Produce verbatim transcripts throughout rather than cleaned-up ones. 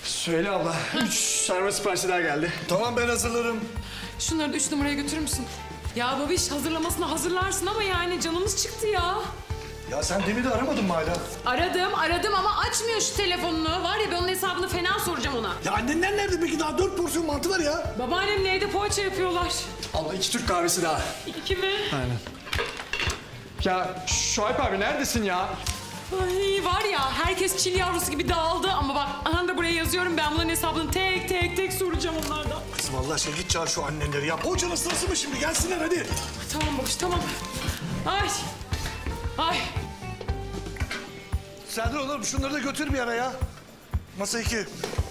Söyle abla. Üç sarma siparişi daha geldi. Tamam ben hazırlarım. Şunları da üç numaraya götürür müsün? Ya babiş hazırlamasını hazırlarsın ama yani canımız çıktı ya. Ya sen demin de aramadın mı hala? Aradım aradım ama açmıyor şu telefonunu. Var ya ben onun hesabını fena soracağım ona. Ya annenler nerede peki? Daha dört porsiyon mantı var ya. Babaannemle evde poğaça yapıyorlar. Abla iki Türk kahvesi daha. İki mi? Aynen. Ya Şuayb abi neredesin ya? Ay var ya herkes çil yavrusu gibi dağıldı ama bak aha da buraya yazıyorum ben bunların hesabını tek tek tek soracağım onlardan. Kızım Allah aşkına git çağır şu annenleri ya. Poğaçanın sırası mı şimdi? Gelsinler hadi. Tamam babiş tamam. Ay. Ay. Serdar oğlum şunları da götür bir ara ya. Masa iki.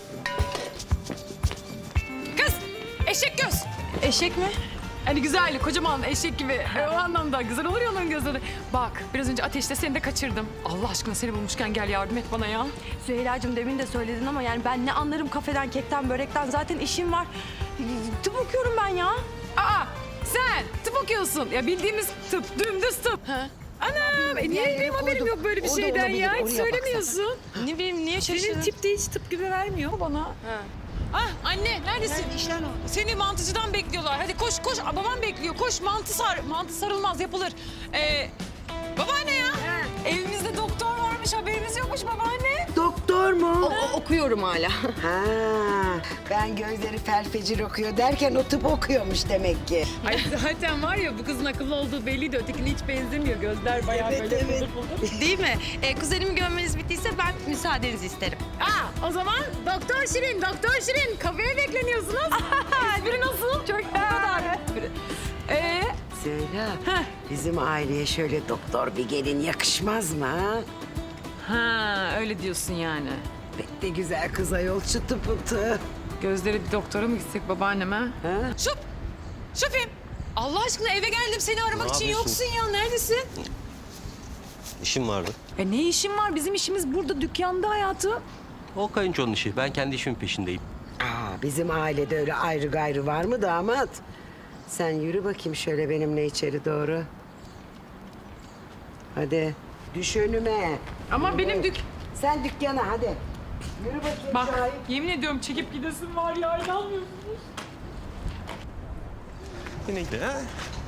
Kız eşek göz. Eşek mi? Hani güzel, kocaman eşek gibi. E, o anlamda güzel olur ya onların gözleri. Bak, biraz önce ateşte seni de kaçırdım. Allah aşkına seni bulmuşken gel yardım et bana ya. Süheyla'cığım demin de söyledin ama yani ben ne anlarım kafeden, kekten, börekten. Zaten işim var. Tıp okuyorum ben ya. Aa, sen tıp okuyorsun. Ya bildiğimiz tıp, dümdüz tıp. Ha? Anam, e niye benim haberim yok böyle bir O da şeyden olabilir, ya? Hiç oraya söylemiyorsun. Ne bileyim niye Senin şaşırdın? tip de hiç tıp gibi vermiyor bana. Ah anne neredesin? İşler ne oldu? Seni mantıcıdan bekliyorlar. Hadi koş koş. Aa, babam bekliyor. Koş mantı sar. Mantı sarılmaz yapılır. Ee, babaanne ya. Evimizde doktor varmış haberimiz yokmuş babaanne. Doktor mu? O- okuyorum hala. Ha, ben gözleri felfecir okuyor derken o tıp okuyormuş demek ki. Ay zaten var ya bu kızın akıllı olduğu belliydi. Ötekine hiç benzemiyor. Gözler bayağı Evet, böyle evet. buldur buldur. Değil mi? Ee, kuzenimi görmeniz bittiyse ben müsaadenizi isterim. Aa, o zaman Doktor Şirin, Doktor Şirin kafeye bekleniyorsunuz. Espri nasıl? Çok o kadar. Ee, Söyle, Heh. bizim aileye şöyle doktor bir gelin yakışmaz mı ha? ha öyle diyorsun yani. Pek de güzel kız ayol çıtı pıtı. Gözleri bir doktora mı gitsek babaanneme? Ha? Şup! Şupim! Allah aşkına eve geldim seni aramak Ne için yapıyorsun? yoksun ya. Neredesin? İşim vardı. E ne işin var? Bizim işimiz burada dükkanda hayatım. O kayınçonun işi. Ben kendi işimin peşindeyim. Aa, bizim ailede öyle ayrı gayrı var mı damat? Sen yürü bakayım şöyle benimle içeri doğru. Hadi düş önüme. Ama benim dük... Sen dükkana hadi. Yürü bakayım Bak Şahip. yemin ediyorum çekip gidesin var ya inanmıyorsun. Yine gidiyor ha?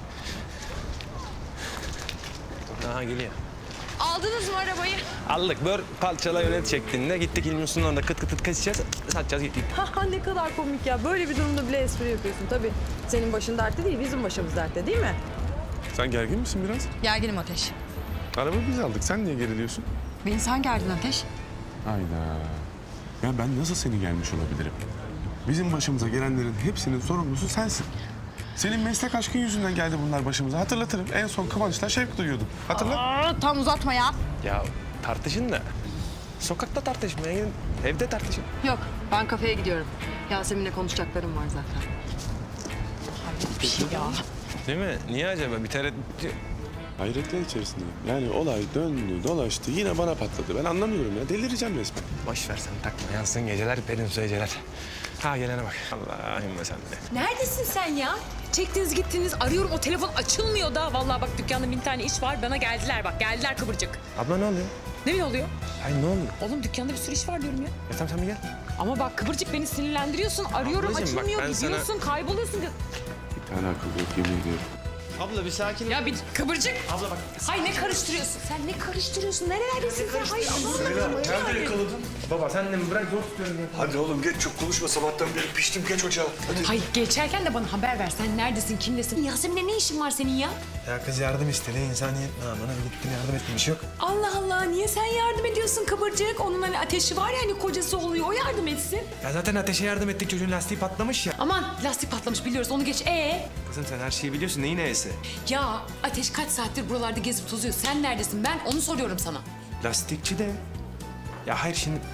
Aha geliyor. Aldınız mı arabayı? Aldık. Bör parçala yönet şeklinde. Gittik İlmi Sunan'da kıt kıt kıt keseceğiz. Satacağız gittik. Ha ne kadar komik ya. Böyle bir durumda bile espri yapıyorsun tabii. Senin başın dertte değil, bizim başımız dertte değil mi? Sen gergin misin biraz? Gerginim Ateş. Araba biz aldık. Sen niye geriliyorsun? Beni sen gerdin Ateş. Hayda. Ya ben nasıl seni gelmiş olabilirim? Bizim başımıza gelenlerin hepsinin sorumlusu sensin. Senin meslek aşkın yüzünden geldi bunlar başımıza. Hatırlatırım. En son Kıvanç'la şevk duyuyordum. Hatırla. Aa, tam uzatma ya. Ya tartışın da. Sokakta tartışmaya gidin. Evde tartışın. Yok, ben kafeye gidiyorum. Yasemin'le konuşacaklarım var zaten. Hayret bir şey ya. Değil mi? Niye acaba? Bir tereddüt... Hayretler içerisindeyim. Yani olay döndü, dolaştı. Yine bana patladı. Ben anlamıyorum ya. Delireceğim resmen. Boş ver sen takma. Yansın geceler, perin su geceler. Ha gelene bak. Allah'ım sen de. Neredesin sen ya? Çektiniz gittiniz arıyorum o telefon açılmıyor da. Vallahi bak dükkanda bin tane iş var bana geldiler bak geldiler kıvırcık. Abla ne oluyor? Ne mi oluyor? Ay ne oluyor? Oğlum dükkanda bir sürü iş var diyorum ya. Ya tamam sen bir gel. Ama bak kıvırcık beni sinirlendiriyorsun. Arıyorum Ablacığım bak, açılmıyor ben sana- gidiyorsun kayboluyorsun. Bir tane akıl yok yemin ediyorum. Abla bir sakin ol. Ya bir kıvırcık. Abla bak. Hay ne karıştırıyorsun? Sen ne karıştırıyorsun? Nerelerdesin sen? Hay Allah'ım. Nerede yakaladın? Baba sen de mi bırak zor tutuyorum ya. Hadi oğlum geç çok konuşma sabahtan beri piştim geç ocağa. Hadi. Hay geçerken de bana haber ver. Sen neredesin? Kimdesin? Yasemin'le ne işin var senin ya? Ya kız yardım istedi. İnsaniyet namına gittim yardım ettim. Bir şey yok. Allah Allah niye sen yardım ediyorsun kıvırcık? Onun hani ateşi var ya hani kocası oluyor. O yardım etsin. Ya zaten ateşe yardım ettik. Çocuğun lastiği patlamış ya. Aman lastik patlamış biliyoruz. Onu geç. Ee? Kızım sen her şeyi biliyorsun. Neyin neyse? Ya Ateş kaç saattir buralarda gezip tozuyor. Sen neredesin? Ben onu soruyorum sana. Lastikçi de. Ya hayır şimdi...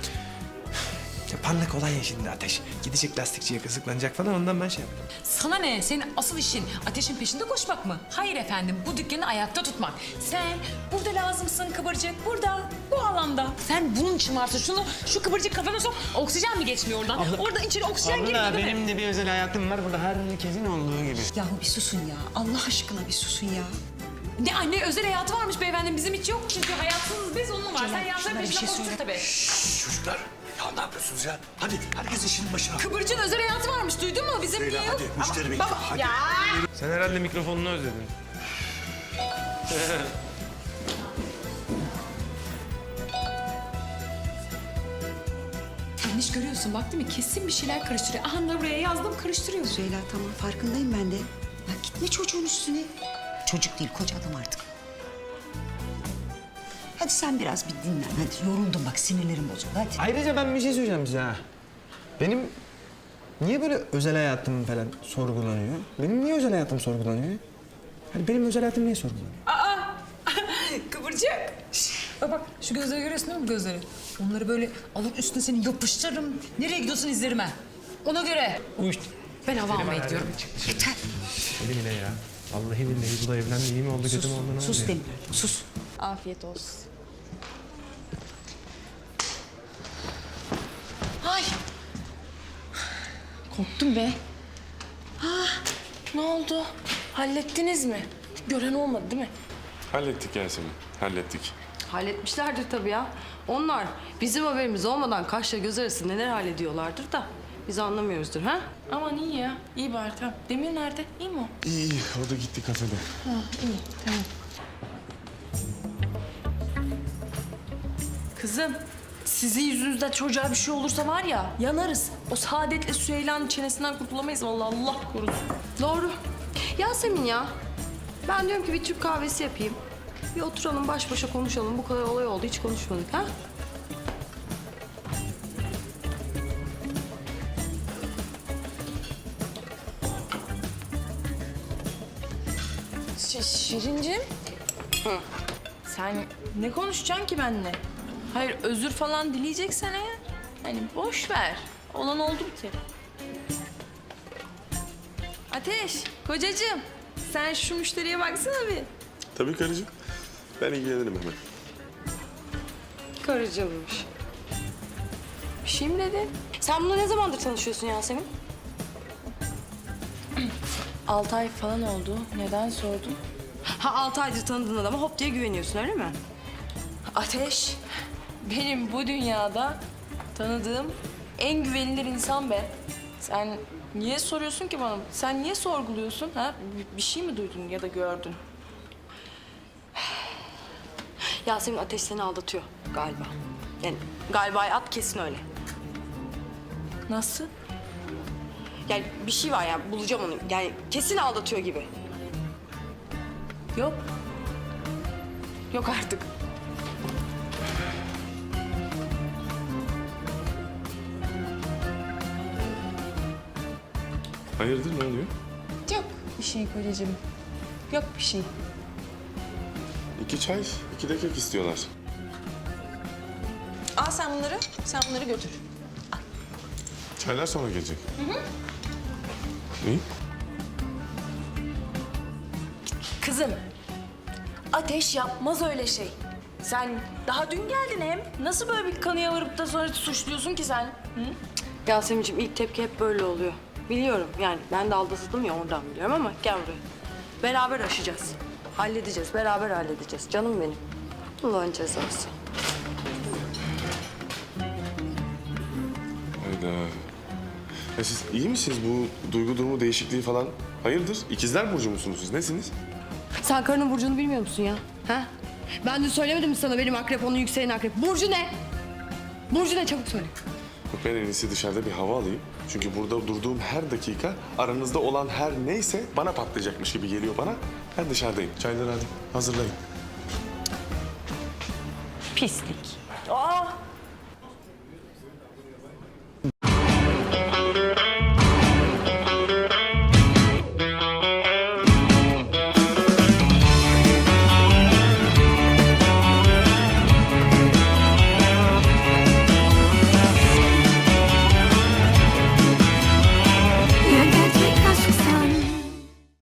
Ya parlak olan ya şimdi Ateş. Gidecek lastikçiye kızıklanacak falan ondan ben şey yaptım. Sana ne? Senin asıl işin ateşin peşinde koşmak mı? Hayır efendim, bu dükkanı ayakta tutmak. Sen burada lazımsın kıvırcık, burada, bu alanda. Sen bunun için varsın. Şunu, şu kıvırcık kafana sok, oksijen mi geçmiyor oradan? Oradan içeri oksijen girmiyor değil mi? de bir özel hayatım var burada herkesin olduğu gibi. Yahu bir susun ya. Allah aşkına bir susun ya. Ne anne özel hayatı varmış beyefendi, bizim hiç yok. Çünkü hayatımız biz, onun var. Sen Celal, hayatların şunlara bir peşinde şey koştun söyle. tabii. Şşş, çocuklar Ya ne yapıyorsunuz ya? Hadi herkes işinin başına. Kıvırcığın özel hayatı varmış duydun mu? Bizim Leyla niye hadi yok? müşteri bekliyor. Hadi. Sen herhalde mikrofonunu özledin. Yanlış görüyorsun bak değil mi? Kesin bir şeyler karıştırıyor. Aha da buraya yazdım karıştırıyor. Süheyla tamam farkındayım ben de. Ya gitme çocuğun üstüne. Çocuk değil koca adam artık. Hadi sen biraz bir dinlen. Hadi yoruldum bak sinirlerim bozuldu hadi. Ayrıca ben bir şey söyleyeceğim size ha. Benim niye böyle özel hayatım falan sorgulanıyor? Benim niye özel hayatım sorgulanıyor? Hani benim özel hayatım niye sorgulanıyor? Kıvırcık. Şş, Bak bak şu gözleri görüyorsun değil mi bu gözleri? Onları böyle alıp üstüne seni yapıştırırım. Nereye gidiyorsun izlerime? Ona göre. Uyuş. Ben hava almaya gidiyorum. Yeter. Deli mi ne ya? Vallahi billahi bu da evlendi iyi mi oldu kötü mü oldu ne oldu Sus ya? Demir sus. Afiyet olsun. Ay. Korktum be. Ah, ne oldu? Hallettiniz mi? Gören olmadı değil mi? Hallettik Yasemin, hallettik. Halletmişlerdir tabii ya. Onlar bizim haberimiz olmadan kaşla göz arası neler hallediyorlardır da biz anlamıyoruzdur ha? Aman iyi ya. İyi bari tamam. Demir nerede? İyi mi o? İyi, iyi. O da gitti kafede. Kızım, sizin yüzünüzden çocuğa bir şey olursa var ya yanarız. O Saadet'le Süheyla'nın çenesinden kurtulamayız vallahi Allah korusun. Doğru. Yasemin ya. Ben diyorum ki bir Türk kahvesi yapayım. Bir oturalım baş başa konuşalım. Bu kadar olay oldu hiç konuşmadık ha? Ş- Şirincim. Sen ne konuşacaksın ki benimle? Hayır özür falan dileyeceksen eğer. Hani boş ver. Olan oldu bir kere. Ateş, kocacığım. Sen şu müşteriye baksana bir. Tabii karıcığım. Ben ilgilenirim hemen. Karıcılmış. Bir şey mi dedin? Sen bununla ne zamandır tanışıyorsun Yasemin? Altı ay falan oldu. Neden sordun? Ha altı aydır tanıdığın adama hop diye güveniyorsun öyle mi? Ateş, benim bu dünyada tanıdığım en güvenilir insan be. Sen niye soruyorsun ki bana? Sen niye sorguluyorsun? Ha? Bir- Bir şey mi duydun ya da gördün? Yasemin Ateş seni aldatıyor galiba. Yani galiba at kesin öyle. Nasıl? Yani bir şey var ya bulacağım onu. Yani kesin aldatıyor gibi. Yok. Yok artık. Hayırdır, ne oluyor? Yok bir şey kocacığım. Yok bir şey. İki çay, iki de kek istiyorlar. Al sen bunları, sen bunları götür. Çaylar sonra gelecek. Hı hı. İyi. Kızım, Ateş yapmaz öyle şey. Sen daha dün geldin hem. Nasıl böyle bir kanıya varıp da sonra suçluyorsun ki sen? Hı? Yasemin'ciğim ilk tepki hep böyle oluyor. Biliyorum yani ben de aldatıldım ya oradan biliyorum ama gel buraya. Beraber aşacağız. Halledeceğiz, beraber halledeceğiz. Canım benim. Allah'ın cezası. Hayda. Ya siz iyi misiniz bu duygu durumu değişikliği falan? Hayırdır? İkizler burcu musunuz siz? Nesiniz? Sen karının burcunu bilmiyor musun ya? Ha? Ben de söylemedim mi sana benim akrep, onun yükselen akrep. Burcu ne? Burcu ne? Çabuk söyle. Yok, ben en iyisi dışarıda bir hava alayım. Çünkü burada durduğum her dakika aranızda olan her neyse bana patlayacakmış gibi geliyor bana. Ben dışarıdayım. Çayları hadi hazırlayın. Pislik.